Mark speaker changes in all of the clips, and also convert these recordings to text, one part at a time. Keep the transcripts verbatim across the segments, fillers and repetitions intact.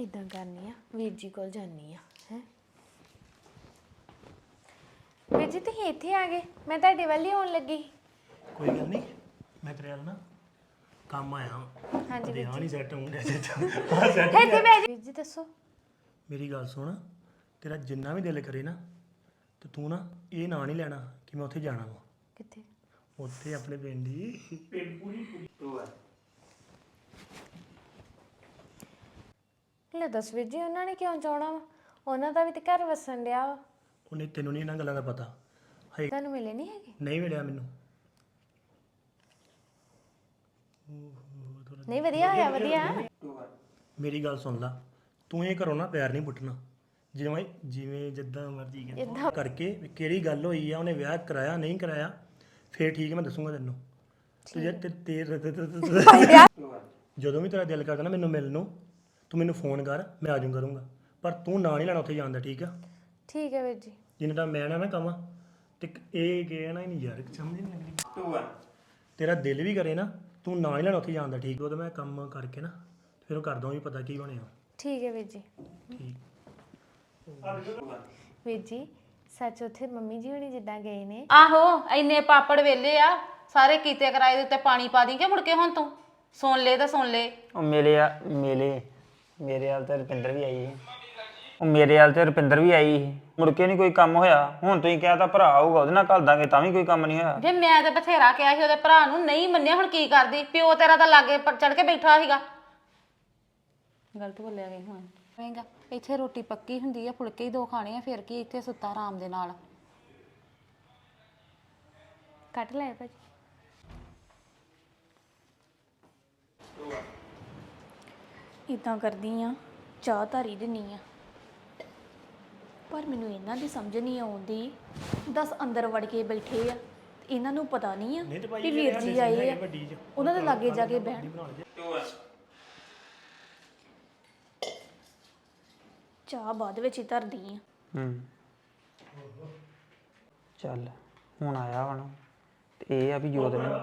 Speaker 1: इदां करनी आ वीर जी कोल जानी आ है वीर जी तुसीं इत्थे आ गए मैं तुहाडे वल ही आउण लगी
Speaker 2: कोई गल नहीं मैं तेरे ना काम आया हूं
Speaker 1: हाँ जी
Speaker 2: ध्यान
Speaker 1: वीर
Speaker 2: नहीं
Speaker 1: जी
Speaker 2: सेट होऊंगा हां सेट
Speaker 1: इत्थे बैठ वीर जी दसो
Speaker 2: मेरी गल सुन तेरा जिन्ना भी दिल करे ना तो तू ना ये ना नहीं लेना कि मैं उत्थे जाना वा
Speaker 1: कित्थे
Speaker 2: उत्थे अपने पिंड ही पिंड पूरी पूरी
Speaker 1: ਲੈ ਦੱਸ ਵੀਰ ਜੀ ਉਹਨਾਂ ਨੇ ਕਿਉਂ ਚਾਹਣਾ ਵਾ ਉਹਨਾਂ ਦਾ ਵੀ ਤੇ ਘਰ ਵਸਣ ਡਿਆ ਵਾ
Speaker 2: ਉਹਨੇ ਤੈਨੂੰ ਨਹੀਂ ਇਹਨਾਂ ਗੱਲਾਂ ਦਾ ਪਤਾ ਹੈ
Speaker 1: ਤੁਹਾਨੂੰ ਮਿਲੇ ਨਹੀਂ ਹੈਗੇ
Speaker 2: ਨਹੀਂ ਮਿਲਿਆ ਮੈਨੂੰ
Speaker 1: ਨਹੀਂ ਵਧੀਆ ਹੋਇਆ ਵਧੀਆ
Speaker 2: ਮੇਰੀ ਗੱਲ ਸੁਣ ਲਾ ਤੂੰ ਇਹ ਕਰੋ ਨਾ ਪਿਆਰ ਨਹੀਂ ਪੁੱਟਣਾ ਜਿਵੇਂ ਜਿਵੇਂ ਜਿੱਦਾਂ ਮਰਜ਼ੀ ਕਹਿੰਦਾ ਕਰਕੇ ਵੀ ਕਿਹੜੀ ਗੱਲ ਹੋਈ ਆ ਉਹਨੇ ਵਿਆਹ ਕਰਾਇਆ ਨਹੀਂ ਕਰਾਇਆ ਫੇਰ ਠੀਕ ਮੈਂ ਦੱਸੂਗਾ ਤੈਨੂੰ ਤੇ ਜੇ ਤੇ ਜਦੋਂ ਵੀ ਤੇਰਾ ਦਿਲ ਕਰਦਾ ਨਾ ਮੈਨੂੰ ਮਿਲਣ ਨੂੰ ਤੂੰ ਮੈਨੂੰ ਫੋਨ ਕਰ ਮੈਂ ਆ ਜਾਊਂ ਕਰੂੰਗਾ ਪਰ ਤੂੰ ਨਾ ਨਹੀਂ ਲੈਣਾ ਉੱਥੇ ਜਾਣ ਦਾ ਠੀਕ ਆ
Speaker 1: ਠੀਕ ਹੈ ਵੀਰ ਜੀ
Speaker 2: ਜਿੰਨਾ ਟਾਈਮ ਮੈਂ ਨਾ ਨਾ ਕਵਾਂ ਤੇ ਇਹ ਕਹਿਣਾ ਹੀ ਨਹੀਂ ਯਾਰ ਸਮਝ ਨਹੀਂ ਲੱਗਦੀ ਤੇਰਾ ਦਿਲ ਵੀ ਕਰੇ ਨਾ ਤੂੰ ਨਾ ਹੀ ਲੈਣਾ ਉੱਥੇ ਜਾਣ ਦਾ ਠੀਕ ਉਹ ਤਾਂ ਮੈਂ ਕੰਮ ਕਰਕੇ ਨਾ ਫਿਰ ਉਹ ਕਰਦਾ ਵੀ ਪਤਾ ਕੀ ਬਣਿਆ
Speaker 1: ਠੀਕ ਹੈ ਵੀਰ ਜੀ
Speaker 2: ਠੀਕ
Speaker 1: ਵੀਰ ਜੀ ਸੱਚ ਉੱਥੇ ਮੰਮੀ ਜੀ ਹੁਣੀ ਜਿੱਦਾਂ ਗਏ ਨੇ
Speaker 3: ਆਹੋ ਇੰਨੇ ਪਾਪੜ ਵੇਲੇ ਆ ਸਾਰੇ ਕੀਤੇ ਕਰਾਏ ਦੇ ਉੱਤੇ ਪਾਣੀ ਪਾ ਦੀ ਕਿ ਮੁੜ ਕੇ ਹੁਣ ਤੂੰ ਸੁਣ ਲੈ ਤਾਂ ਸੁਣ ਲੈ
Speaker 4: ਉਹ ਮੇਰੇ ਆ ਮੇਲੇ ਮੇਰੇ ਹਾਲ ਤੇ ਰੁਪਿੰਦਰ ਵੀ ਆਈ ਸੀ ਉਹ ਮੇਰੇ ਹਾਲ ਤੇ ਰੁਪਿੰਦਰ ਵੀ ਆਈ ਸੀ ਮੁੜ ਕੇ ਨਹੀਂ ਕੋਈ ਕੰਮ ਹੋਇਆ ਹੁਣ ਤੁਸੀਂ ਕਿਹਾ ਤਾਂ ਭਰਾ ਆਊਗਾ ਉਹਦੇ ਨਾਲ ਘੱਲ ਦਾਂਗੇ ਤਾਂ ਵੀ ਕੋਈ ਕੰਮ ਨਹੀਂ ਹੋਇਆ
Speaker 3: ਜੇ ਮੈਂ ਤੇ ਬਥੇਰਾ ਕਿਹਾ ਸੀ ਉਹਦੇ ਭਰਾ ਨੂੰ ਨਹੀਂ ਮੰਨਿਆ ਹੁਣ ਕੀ ਕਰਦੀ ਪਿਓ ਤੇਰਾ ਤਾਂ ਲਾਗੇ ਚੜ ਕੇ ਬੈਠਾ ਸੀਗਾ ਗਲਤ ਬੋਲਿਆ ਗਈ ਹੁਣ ਹੋਏਗਾ ਇੱਥੇ ਰੋਟੀ ਪੱਕੀ ਹੁੰਦੀ ਆ ਫੁਲਕੇ ਹੀ ਦੋ ਖਾਣੇ ਆ ਫਿਰ ਕੀ ਇੱਥੇ ਸੁੱਤਾ ਆਰਾਮ ਦੇ ਨਾਲ
Speaker 1: ਕੱਟ ਲੈ ਭਾਜੀ
Speaker 5: ਇਦਾਂ ਕਰਦੀ ਆ ਚਾਹ ਧਾਰੀ ਦਿੰਨੀ ਆ ਪਰ ਮੈਨੂੰ ਇਹਨਾਂ ਦੀ ਸਮਝ ਨਹੀਂ ਆਉਂਦੀ ਦਸ ਅੰਦਰ ਵੜ ਕੇ ਬੈਠੇ ਆ ਤੇ ਇਹਨਾਂ ਨੂੰ ਪਤਾ ਨਹੀਂ ਆ ਕਿ ਵੀਰ ਜੀ ਆਏ ਆ ਉਹਨਾਂ ਦੇ ਲਾਗੇ ਜਾ ਕੇ ਬਹਿਣ ਚਾਹ ਬਾਅਦ ਵਿੱਚ ਹੀ ਧਰਦੀ ਆ
Speaker 4: ਹੂੰ ਚੱਲ ਹੁਣ ਆਇਆ ਵਾ ਨਾ ਤੇ ਇਹ ਆ ਵੀ ਜੋਤ ਨੇ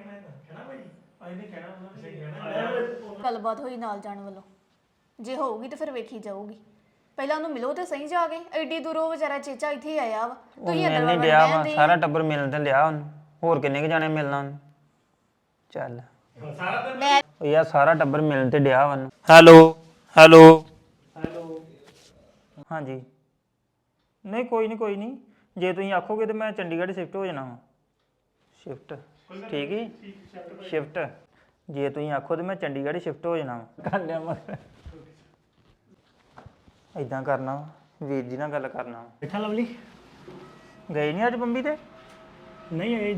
Speaker 5: ਗੱਲਬਾਤ ਹੋਈ ਨਾਲ ਜਾਣ ਵੱਲੋਂ ਜੇ ਹੋਊਗੀ ਤਾਂ ਫਿਰ ਵੇਖੀ ਜਾਊਗੀ ਪਹਿਲਾਂ ਉਹਨੂੰ ਮਿਲੋ ਤੇ ਸਹੀ ਜਾ ਕੇ ਐਡੀ ਦੂਰੋਂ ਵਿਚਾਰਾ ਚੇਚਾ ਇੱਥੇ ਆਇਆ ਵਾ ਤੁਸੀਂ ਅੰਦਰ
Speaker 4: ਨਹੀਂ ਲਿਆ ਵਾ ਸਾਰਾ ਟੱਬਰ ਮਿਲਣ ਤੇ ਲਿਆ ਉਹਨੂੰ ਹੋਰ ਕਿੰਨੇ ਕ ਜਾਣੇ ਮਿਲਣਾ ਉਹਨੂੰ ਚੱਲ ਉਹ ਯਾਰ ਸਾਰਾ ਟੱਬਰ ਮਿਲਣ ਤੇ ਡਿਆ ਵਾ ਹੈਲੋ ਹੈਲੋ ਹੈਲੋ ਹਾਂਜੀ ਨਹੀਂ ਕੋਈ ਨਹੀਂ ਕੋਈ ਨਹੀਂ ਜੇ ਤੁਸੀਂ ਆਖੋਗੇ ਤੇ ਮੈਂ ਚੰਡੀਗੜ੍ਹ ਸ਼ਿਫਟ ਹੋ ਜਾਣਾ ਵਾ ਸ਼ਿਫਟ ਠੀਕ ਹੈ ਸ਼ਿਫਟ ਜੇ ਤੁਸੀਂ ਆਖੋ ਤੇ ਮੈਂ ਚੰਡੀਗੜ੍ਹ ਸ਼ਿਫਟ ਹੋ ਜਾਣਾ ਵਾ ਕਰ ਲਿਆ ਮੈਂ ਇਦਾਂ ਕਰਨਾ ਵੀਰ ਜੀ ਨਾਲ ਗੱਲ ਕਰਨਾ
Speaker 2: ਬੈਠਾ ਲਵਲੀ
Speaker 4: ਗਏ ਨਹੀਂ ਅੱਜ ਬੰਬੀ ਤੇ
Speaker 2: ਨਹੀਂ ਇਹ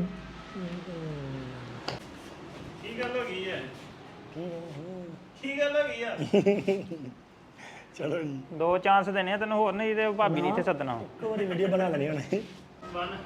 Speaker 6: ਕੀ ਗੱਲ ਹੋ ਗਈ ਹੈ ਕੀ ਗੱਲ ਹੋ ਗਈ ਆ
Speaker 2: ਚਲੋ ਜੀ
Speaker 4: ਦੋ ਚਾਂਸ ਦੇਣੇ ਆ ਤੈਨੂੰ ਹੋਰ ਨਹੀਂ ਤੇ ਭਾਬੀ ਨੇ ਇੱਥੇ ਸੱਦਣਾ
Speaker 2: ਇੱਕ ਵਾਰੀ ਵੀਡੀਓ ਬਣਾ ਲੈਣੀ ਹੁਣ
Speaker 6: ਬਨ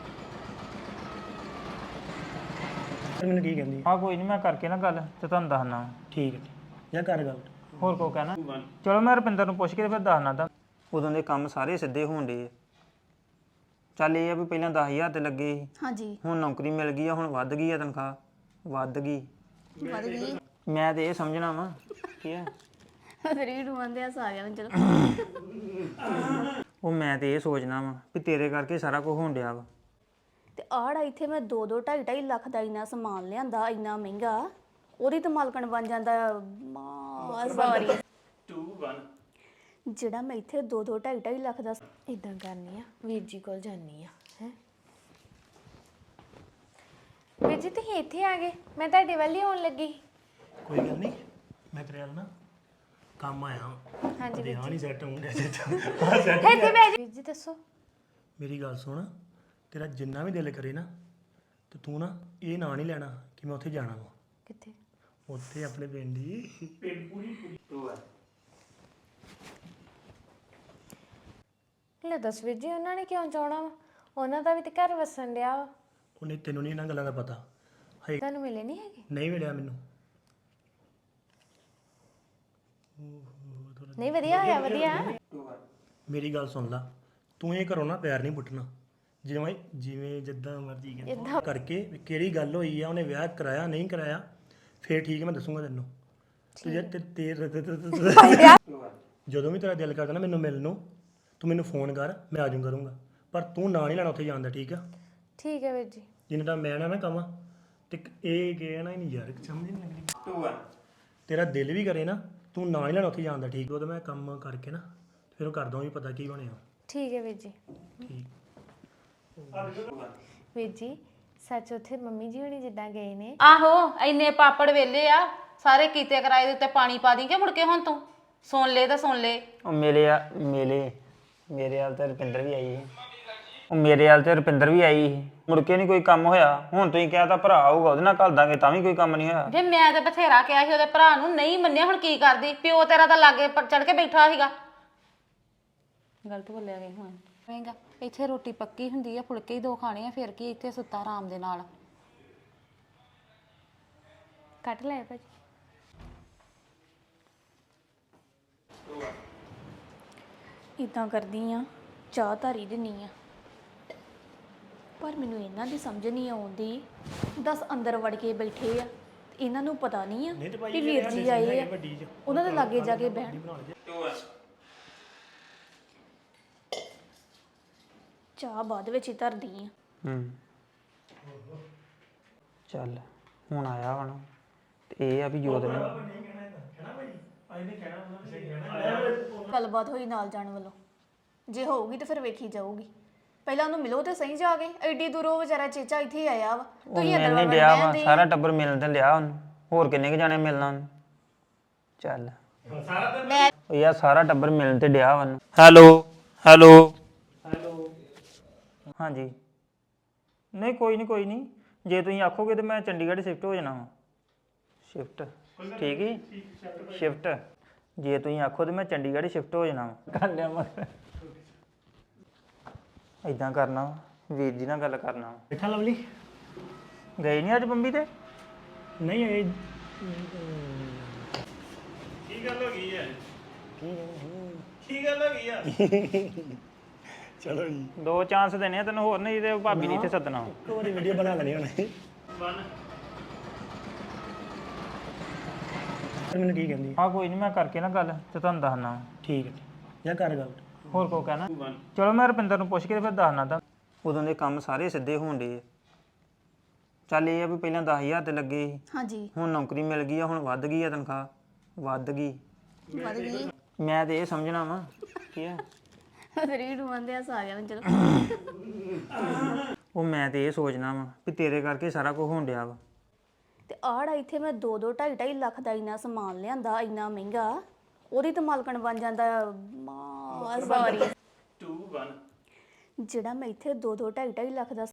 Speaker 2: ਮੈਨੂੰ ਕੀ ਕਹਿੰਦੀ
Speaker 4: ਹਾਂ ਕੋਈ ਨਹੀਂ ਮੈਂ ਕਰਕੇ ਨਾ ਗੱਲ ਤੇ ਤੁਹਾਨੂੰ ਦੱਸਣਾ
Speaker 2: ਠੀਕ ਹੈ ਜਾਂ ਕਰ ਗੱਲ
Speaker 4: ਹੋਰ ਕੋ ਕਹਿਣਾ ਚਲੋ ਮੈਂ ਰੁਪਿੰਦਰ ਨੂੰ ਪੁੱਛ ਕੇ ਤੇ ਫਿਰ ਦੱਸਣਾ ਤਾਂ ਉਦੋਂ ਦੇ ਕੰਮ ਸਾਰੇ ਸਿੱਧੇ ਹੋਣ ਡੇ ਚੱਲ ਇਹ ਆ ਵੀ ਪਹਿਲਾਂ ਦਸ ਹਜ਼ਾਰ ਤੇ ਲੱਗੇ ਸੀ
Speaker 5: ਹਾਂਜੀ
Speaker 4: ਹੁਣ ਨੌਕਰੀ ਮਿਲ ਗਈ ਆ ਹੁਣ ਵੱਧ ਗਈ ਆ ਤਨਖਾਹ ਵੱਧ ਗਈ
Speaker 5: ਵੱਧ ਗਈ
Speaker 4: ਮੈਂ ਤੇ ਇਹ ਸਮਝਣਾ ਵਾ ਕੀ ਆ
Speaker 5: ਤੇਰੀ ਰੂਹੰਦੇ ਆ ਸਾਰਿਆਂ ਨੂੰ ਚਲੋ
Speaker 4: ਉਹ ਮੈਂ ਤੇ ਇਹ ਸੋਚਣਾ ਵਾ ਵੀ ਤੇਰੇ ਕਰਕੇ ਸਾਰਾ ਕੁਝ ਹੋਣ ਡਿਆ ਵਾ
Speaker 5: ਤੇ ਆੜਾ ਇੱਥੇ ਮੈਂ ਦੋ ਦੋ ਢਾਈ ਢਾਈ ਲੱਖ ਦਾ ਇੰਨਾ ਸਮਾਨ ਲਿਆਂਦਾ ਇੰਨਾ ਮਹਿੰਗਾ ਉਹਦੀ ਤਾਂ ਮਾਲਕਣ ਬਣ ਜਾਂਦਾ ਮਾ ਸਾਰੀ
Speaker 6: ਟੂ ਵਨ
Speaker 5: ਜਿਹੜਾ ਮੈਂ ਇੱਥੇ ਦੋ ਦੋ ਢਾਈ ਢਾਈ ਲੱਖ ਦਾ
Speaker 1: ਇਦਾਂ ਕਰਨੀ ਆ ਵੀਰ ਜੀ ਕੋਲ ਜਾਨੀ ਆ ਹੈ ਵੀਰ ਜੀ ਤੁਸੀਂ ਇੱਥੇ ਆ ਗਏ ਮੈਂ ਤੁਹਾਡੇ ਵੱਲ ਹੀ ਆਉਣ ਲੱਗੀ
Speaker 2: ਕੋਈ ਗੱਲ ਨਹੀਂ ਮੈਂ ਤੇਰੇ ਨਾਲ ਨਾ ਕੰਮ ਆਇਆ ਹਾਂ
Speaker 1: ਹਾਂਜੀ ਵੀਰ
Speaker 2: ध्यान
Speaker 1: ਜੀ
Speaker 2: ही सेट होऊंगा हां सेट
Speaker 1: ਇੱਥੇ ਬੈਠ ਵੀਰ ਜੀ ਦੱਸੋ
Speaker 2: ਮੇਰੀ ਗੱਲ ਸੁਣ ਤੇਰਾ ਜਿੰਨਾ ਵੀ ਦਿਲ ਕਰੇ ਨਾ ਤੇ ਤੂੰ ਨਾ ਇਹ ਨਾ ਨਹੀਂ ਲੈਣਾ ਕਿ ਮੈਂ ਉੱਥੇ ਜਾਣਾ ਵਾ
Speaker 1: ਕਿੱਥੇ
Speaker 2: ਉੱਥੇ ਆਪਣੇ ਪਿੰਡ ਹੀ ਪਿੰਡ ਪੂਰੀ ਪੂਰੀ ਟੂ
Speaker 1: ਲੈ ਦੱਸ ਵੀਰ ਜੀ ਉਹਨਾਂ ਨੇ ਕਿਉਂ ਚਾਹਣਾ ਵਾ ਉਹਨਾਂ ਦਾ ਵੀ ਤੇ ਘਰ ਵਸਣ ਡਿਆ ਵਾ
Speaker 2: ਉਹਨੇ ਤੈਨੂੰ ਨਹੀਂ ਇਹਨਾਂ ਗੱਲਾਂ ਦਾ ਪਤਾ ਹੈ
Speaker 1: ਤੁਹਾਨੂੰ ਮਿਲੇ ਨਹੀਂ ਹੈਗੇ
Speaker 2: ਨਹੀਂ ਮਿਲਿਆ ਮੈਨੂੰ
Speaker 1: ਨਹੀਂ ਵਧੀਆ ਹੋਇਆ ਵਧੀਆ
Speaker 2: ਮੇਰੀ ਗੱਲ ਸੁਣ ਲਾ ਤੂੰ ਇਹ ਕਰੋ ਨਾ ਪਿਆਰ ਨਹੀਂ ਪੁੱਟਣਾ ਜਿਵੇਂ ਜਿਵੇਂ ਜਿੱਦਾਂ ਮਰਜ਼ੀ ਕਹਿੰਦਾ ਕਰਕੇ ਵੀ ਕਿਹੜੀ ਗੱਲ ਹੋਈ ਆ ਉਹਨੇ ਵਿਆਹ ਕਰਾਇਆ ਨਹੀਂ ਕਰਾਇਆ ਫੇਰ ਠੀਕ ਮੈਂ ਦੱਸੂਗਾ ਤੈਨੂੰ ਤੇ ਜੇ ਤੇ ਜਦੋਂ ਵੀ ਤੇਰਾ ਦਿਲ ਕਰਦਾ ਨਾ ਮੈਨੂੰ ਮਿਲਣ ਨੂੰ ਤੂੰ ਮੈਨੂੰ ਫੋਨ ਕਰ ਮੈਂ ਆ ਜਾਊਂ ਕਰੂੰਗਾ ਪਰ ਤੂੰ ਨਾਂ ਨਹੀਂ ਲੈਣਾ ਉੱਥੇ ਜਾਣ ਦਾ ਠੀਕ ਆ
Speaker 1: ਠੀਕ ਹੈ ਵੀਰ ਜੀ
Speaker 2: ਜਿੰਨਾ ਟਾਈਮ ਮੈਂ ਨਾ ਨਾ ਕਵਾਂ ਤੇ ਇੱਕ ਇਹ ਕਹਿਣਾ ਹੀ ਨਹੀਂ ਯਾਰ ਸਮਝ ਨਹੀਂ ਲੱਗਦੀ ਟੂ ਵਨ ਤੇਰਾ ਦਿਲ ਵੀ ਕਰੇ ਨਾ ਤੂੰ ਨਾਂ ਨਹੀਂ ਲੈਣਾ ਉੱਥੇ ਜਾਣ ਦਾ ਠੀਕ ਉਹ ਤਾਂ ਮੈਂ ਕੰਮ ਕਰਕੇ ਨਾ ਫਿਰ ਉਹ ਕਰਦਾ ਵੀ ਪਤਾ ਕੀ ਬਣਿਆ
Speaker 1: ਠੀਕ ਹੈ ਵੀਰ ਜੀ
Speaker 2: ਠੀਕ
Speaker 1: ਵੀਰ ਜੀ ਸੱਚ ਉੱਥੇ ਮੰਮੀ ਜੀ ਹੁਣੀ ਜਿੱਦਾਂ ਗਏ ਨੇ
Speaker 3: ਆਹੋ ਇੰਨੇ ਪਾਪੜ ਵੇਲੇ ਆ ਸਾਰੇ ਕੀਤੇ ਕਰਾਏ ਦੇ ਉੱਤੇ ਪਾਣੀ ਪਾ ਦੀ ਕਿ ਮੁੜ ਕੇ ਹੁਣ ਤੂੰ ਸੁਣ ਲੈ ਤਾਂ ਸੁਣ ਲੈ
Speaker 4: ਉਹ ਮੇਰੇ ਆ ਮੇਰੇ ਮੇਰੇ ਹਾਲ ਤੇ ਰੁਪਿੰਦਰ ਵੀ ਆਈ ਸੀ ਉਹ ਮੇਰੇ ਹਾਲ ਤੇ ਰੁਪਿੰਦਰ ਵੀ ਆਈ ਸੀ ਮੁੜ ਕੇ ਨਹੀਂ ਕੋਈ ਕੰਮ ਹੋਇਆ ਹੁਣ ਤੁਸੀਂ ਕਿਹਾ ਤਾਂ ਭਰਾ ਆਊਗਾ ਉਹਦੇ ਨਾਲ ਘੱਲ ਦਾਂਗੇ ਤਾਂ ਵੀ ਕੋਈ ਕੰਮ ਨਹੀਂ ਹੋਇਆ
Speaker 3: ਜੇ ਮੈਂ ਤੇ ਬਥੇਰਾ ਕਿਹਾ ਸੀ ਉਹਦੇ ਭਰਾ ਨੂੰ ਨਹੀਂ ਮੰਨਿਆ ਹੁਣ ਕੀ ਕਰਦੀ ਪਿਓ ਤੇਰਾ ਤਾਂ ਲਾਗੇ ਚੜ ਕੇ ਬੈਠਾ ਸੀਗਾ ਗਲਤ ਬੋਲਿਆ ਗਈ ਹੁਣ ਮਹਿੰਗਾ ਇੱਥੇ ਰੋਟੀ ਪੱਕੀ ਹੁੰਦੀ ਆ ਫੁਲਕੇ ਹੀ ਦੋ ਖਾਣੇ ਆ ਫਿਰ ਕੀ ਇੱਥੇ ਸੁੱਤਾ ਆਰਾਮ ਦੇ ਨਾਲ
Speaker 1: ਕੱਟ ਲੈ ਭਾਜੀ
Speaker 5: ਇਦਾਂ ਕਰਦੀ ਆ ਚਾਹ ਧਾਰੀ ਦਿੰਨੀ ਆ ਪਰ ਮੈਨੂੰ ਇਹਨਾਂ ਦੀ ਸਮਝ ਨਹੀਂ ਆਉਂਦੀ ਦਸ ਅੰਦਰ ਵੜ ਕੇ ਬੈਠੇ ਆ ਤੇ ਇਹਨਾਂ ਨੂੰ ਪਤਾ ਨਹੀਂ ਆ ਕਿ ਵੀਰ ਜੀ ਆਏ ਆ ਉਹਨਾਂ ਦੇ ਲਾਗੇ ਜਾ ਕੇ ਬਹਿਣ ਚਾਹ ਬਾਅਦ ਵਿੱਚ ਹੀ ਧਰਦੀ ਆ
Speaker 4: ਹੂੰ ਚੱਲ ਹੁਣ ਆਇਆ ਵਾ ਨਾ ਤੇ ਇਹ ਆ ਵੀ ਜੋਤ ਨੇ
Speaker 5: ਗੱਲਬਾਤ ਹੋਈ ਨਾਲ ਜਾਣ ਵੱਲੋਂ ਜੇ ਹੋਊਗੀ ਤਾਂ ਫਿਰ ਵੇਖੀ ਜਾਊਗੀ ਪਹਿਲਾਂ ਉਹਨੂੰ ਮਿਲੋ ਤੇ ਸਹੀ ਜਾ ਕੇ ਐਡੀ ਦੂਰੋਂ ਵਿਚਾਰਾ ਚੇਚਾ ਇੱਥੇ ਆਇਆ ਵਾ ਤੁਸੀਂ ਅੰਦਰ
Speaker 4: ਨਹੀਂ
Speaker 5: ਵੜ
Speaker 4: ਡਿਆ ਵਾ
Speaker 5: ਬੈਠੇ
Speaker 4: ਸਾਰਾ ਟੱਬਰ ਮਿਲਣ ਤੇ ਲਿਆ ਉਹਨੂੰ ਹੋਰ ਕਿੰਨੇ ਕ ਜਾਣੇ ਮਿਲਣਾ ਉਹਨੂੰ ਚੱਲ ਉਹ ਯਾਰ ਸਾਰਾ ਟੱਬਰ ਮਿਲਣ ਤੇ ਡਿਆ ਵਾ ਹੈਲੋ ਹੈਲੋ ਹੈਲੋ ਹਾਂਜੀ ਨਹੀਂ ਕੋਈ ਨਹੀਂ ਕੋਈ ਨਹੀਂ ਜੇ ਤੁਸੀਂ ਆਖੋਗੇ ਤੇ ਮੈਂ ਚੰਡੀਗੜ੍ਹ ਸ਼ਿਫਟ ਹੋ ਜਾਣਾ ਵਾ ਸ਼ਿਫਟ ਠੀਕ ਹੈ ਸ਼ਿਫਟ ਜੇ ਤੁਸੀਂ ਆਖੋ ਤੇ ਮੈਂ ਚੰਡੀਗੜ੍ਹ ਸ਼ਿਫਟ ਹੋ ਜਾਣਾ ਵਾ ਕਰ ਲਿਆ ਮਗਰ ਇਦਾਂ ਕਰਨਾ ਵਾ, ਵੀਰ ਜੀ ਨਾਲ ਗੱਲ ਕਰਨਾ ਵਾ।
Speaker 2: ਬੈਠਾ ਲਵਲੀ
Speaker 4: ਗਏ ਨਹੀਂ ਅੱਜ ਬੰਬੀ ਤੇ
Speaker 2: ਨਹੀਂ ਇਹ
Speaker 6: ਕੀ ਗੱਲ ਹੋ ਗਈ ਹੈ ਕੀ ਗੱਲ ਹੋ ਗਈ ਆ
Speaker 2: ਚਲੋ ਜੀ
Speaker 4: ਦੋ ਚਾਂਸ ਦੇਣੇ ਆ ਤੈਨੂੰ ਹੋਰ ਨਹੀਂ ਤੇ ਭਾਬੀ ਨੇ ਇੱਥੇ ਸੱਦਣਾ ਵਾ।
Speaker 2: ਇੱਕ ਵਾਰੀ ਵੀਡੀਓ ਬਣਾ ਲੈਣੀ ਹੁਣ
Speaker 6: ਵਨ
Speaker 2: ਮੈਨੂੰ ਕੀ ਕਹਿੰਦੀ
Speaker 4: ਹਾਂ ਕੋਈ ਨਹੀਂ ਮੈਂ ਕਰਕੇ ਨਾ ਗੱਲ ਤੇ ਤੁਹਾਨੂੰ ਦੱਸਣਾ ਵਾ।
Speaker 2: ਠੀਕ ਹੈ ਜਾਂ ਕਰ ਗੱਲ
Speaker 4: ਹੋਰ ਕੋ ਕਹਿਣਾ ਚਲੋ ਮੈਂ ਰੁਪਿੰਦਰ ਨੂੰ ਪੁੱਛ ਕੇ ਫਿਰ ਦੱਸਣਾ ਤਾਂ ਉਦੋਂ ਦੇ ਕੰਮ ਸਾਰੇ ਸਿੱਧੇ ਹੋਣ ਡੇ ਚੱਲ ਇਹ ਆ ਵੀ ਪਹਿਲਾਂ ਦਸ ਹਜ਼ਾਰ ਤੇ ਲੱਗੇ ਸੀ
Speaker 5: ਹਾਂਜੀ
Speaker 4: ਹੁਣ ਨੌਕਰੀ ਮਿਲ ਗਈ ਆ ਹੁਣ ਵੱਧ ਗਈ ਆ ਤਨਖਾਹ ਵੱਧ ਗਈ
Speaker 5: ਵਧ ਗਈ
Speaker 4: ਮੈਂ ਤੇ ਇਹ ਸਮਝਣਾ ਵਾ ਕੀ ਆ
Speaker 5: ਤੇਰੀ ਰੂਹਾਂ ਦੇ ਹੱਸ ਆ ਗਿਆ ਮੈਨੂੰ ਚਲੋ
Speaker 4: ਉਹ ਮੈਂ ਤੇ ਇਹ ਸੋਚਣਾ ਵਾ ਵੀ ਤੇਰੇ ਕਰਕੇ ਸਾਰਾ ਕੁਝ ਹੋਣ ਡਿਆ ਵਾ
Speaker 5: ਤੇ ਆੜਾ ਇੱਥੇ ਮੈਂ ਦੋ ਦੋ ਢਾਈ ਢਾਈ ਲੱਖ ਦਾ ਇੰਨਾ ਸਮਾਨ ਲਿਆਂਦਾ ਇੰਨਾ ਮਹਿੰਗਾ ਉਹਦੀ ਤਾਂ ਮਾਲਕਣ ਬਣ ਜਾਂਦਾ ਮਾ ਸੌਰੀ
Speaker 6: ਟੂ ਵਨ
Speaker 5: ਜਿਹੜਾ ਮੈਂ ਇੱਥੇ ਦੋ ਦੋ ਢਾਈ ਢਾਈ ਲੱਖ ਦਾ